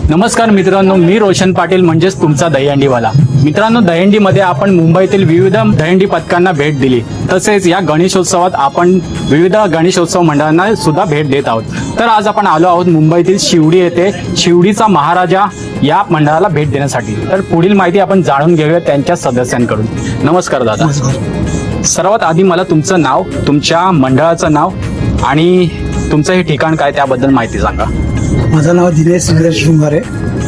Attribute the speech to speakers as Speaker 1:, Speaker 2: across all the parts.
Speaker 1: नमस्कार मित्रांनो, मी रोशन पाटील म्हणजेच तुमचा दहीहंडीवाला. मित्रांनो, दहीहंडीमध्ये आपण मुंबईतील विविध दहीहंडी पथकांना भेट दिली. तसेच या गणेशोत्सवात आपण विविध गणेशोत्सव मंडळांना सुद्धा भेट देत आहोत. तर आज आपण आलो आहोत मुंबईतील शिवडी येथे शिवडीचा महाराजा या मंडळाला भेट देण्यासाठी. तर पुढील माहिती आपण जाणून घेऊया त्यांच्या सदस्यांकडून. नमस्कार दादा. सर्वात आधी मला तुमचं नाव, तुमच्या मंडळाचं नाव आणि तुमचं हे ठिकाण काय त्याबद्दल माहिती सांगा.
Speaker 2: माझं नाव दिनेश शृंगारे,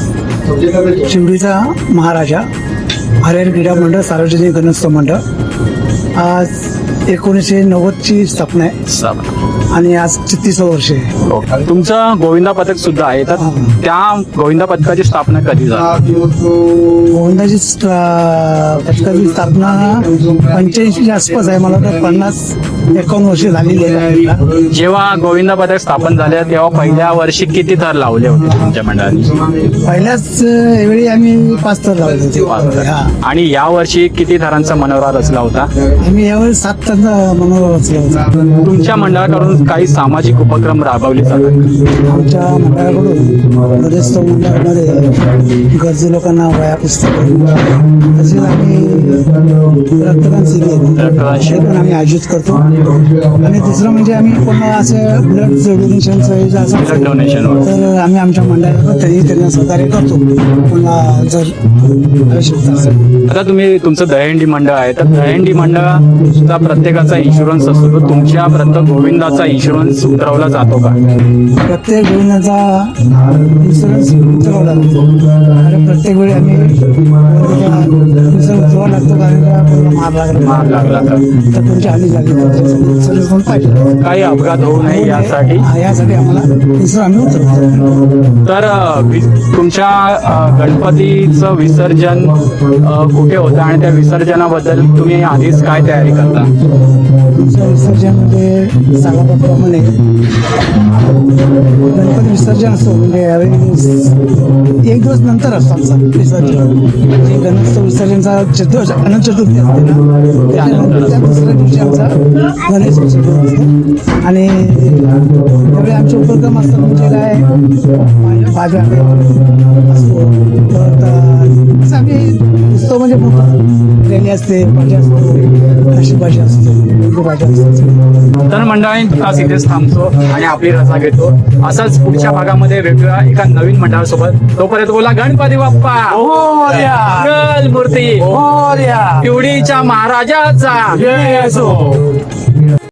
Speaker 2: शिवडीचा महाराजा, हरिहर क्रीडा मंडळ, सार्वजनिक गणेशोत्सव मंडळ. आज 1990ची स्थापना आहे आणि आज 36 वर्ष आहे.
Speaker 1: तुमचं गोविंदा पथक सुद्धा आहे, तर त्या गोविंदा पथकाची स्थापना कधी झाली?
Speaker 2: गोविंदाची पथकाची स्थापना 85च्या आसपास आहे. मला वाटतं 50-51 वर्ष झालेली आहे.
Speaker 1: जेव्हा गोविंदा पथक स्थापन झाले तेव्हा पहिल्या वर्षी किती थर लावले होते तुमच्या मंडळाने?
Speaker 2: पहिल्याच वेळी आम्ही 5 थर लावले होते. हा.
Speaker 1: आणि या वर्षी किती थरांचा मनोरा रचला होता?
Speaker 2: आम्ही यावेळी 7 थरांचा मनोरा रचला होता.
Speaker 1: तुमच्या मंडळाकडून काही सामाजिक उपक्रम राबवले जातात?
Speaker 2: आमच्या मंडळाकडून गणेशोत्सव मंडळामध्ये गरजू लोकांना वह्या पुस्तकं, तसेच आम्ही रक्तदान शिबिर पण आम्ही आयोजित करतो. आणि दुसरं म्हणजे आम्ही पुन्हा असं ब्लड डोनेशनचं
Speaker 1: ब्लड डोनेशन
Speaker 2: तर आम्ही आमच्या मंडळाला त्यांना सहकार्य करतो पुन्हा जर आवश्यकता असेल.
Speaker 1: आता तुम्ही तुमचं दहीहंडी मंडळ आहे, तर दहीहंडी मंडळाचा प्रत्येकाचा इन्शुरन्स असतो, तर तुमच्या प्रत्येक गोविंदाचा इन्शुरन्स उतरवला जातो का?
Speaker 2: प्रत्येक गोविंदाचा इन्शुरन्स उतरवला जातो. आणि प्रत्येक वेळी आम्ही इन्शुरन्स उतरवावा लागतो, कारण का पूर्ण मार लागला तर तुमची हानी झाली इन्शुरन्स पण पाहिजे.
Speaker 1: काही अपघात होऊ नये यासाठी
Speaker 2: आम्हाला इन्शुरन्स आम्ही उतरवतो.
Speaker 1: तर तुमच्या गणपतीचं विसर्जन कुठे होतं आणि त्या विसर्जनाबद्दल तुम्ही आधीच काय तयारी करता?
Speaker 2: तुमचं विसर्जन म्हणजे सांगितल्याप्रमाणे गणपती विसर्जन असतो, म्हणजे यावेळी 1 दिवस नंतर असतो आमचं विसर्जन. म्हणजे गणेशोत्सव विसर्जनचा अनंत चतुर्थी असते ना, त्यानंतर त्या दुसऱ्या दिवशी आमचा गणेश विसर्जन असतो. आणि त्यावेळी आमचे उपक्रम असतात, म्हणजे काय भाज्या असतो, तर असं आम्ही उत्सव म्हणजे मोठा रॅली असते, भाज्या असतो, अशी भाजी असते, भाज्या असतात.
Speaker 1: तर मंडळाने तास इथेच थांबतो आणि आपली रजा घेतो. असंच पुढच्या भागामध्ये वेगवेगळ्या एका नवीन मंडळासोबत. तोपर्यंत बोला गणपती बाप्पा मंगल मूर्ती शिवडीच्या महाराजाचा जय असो.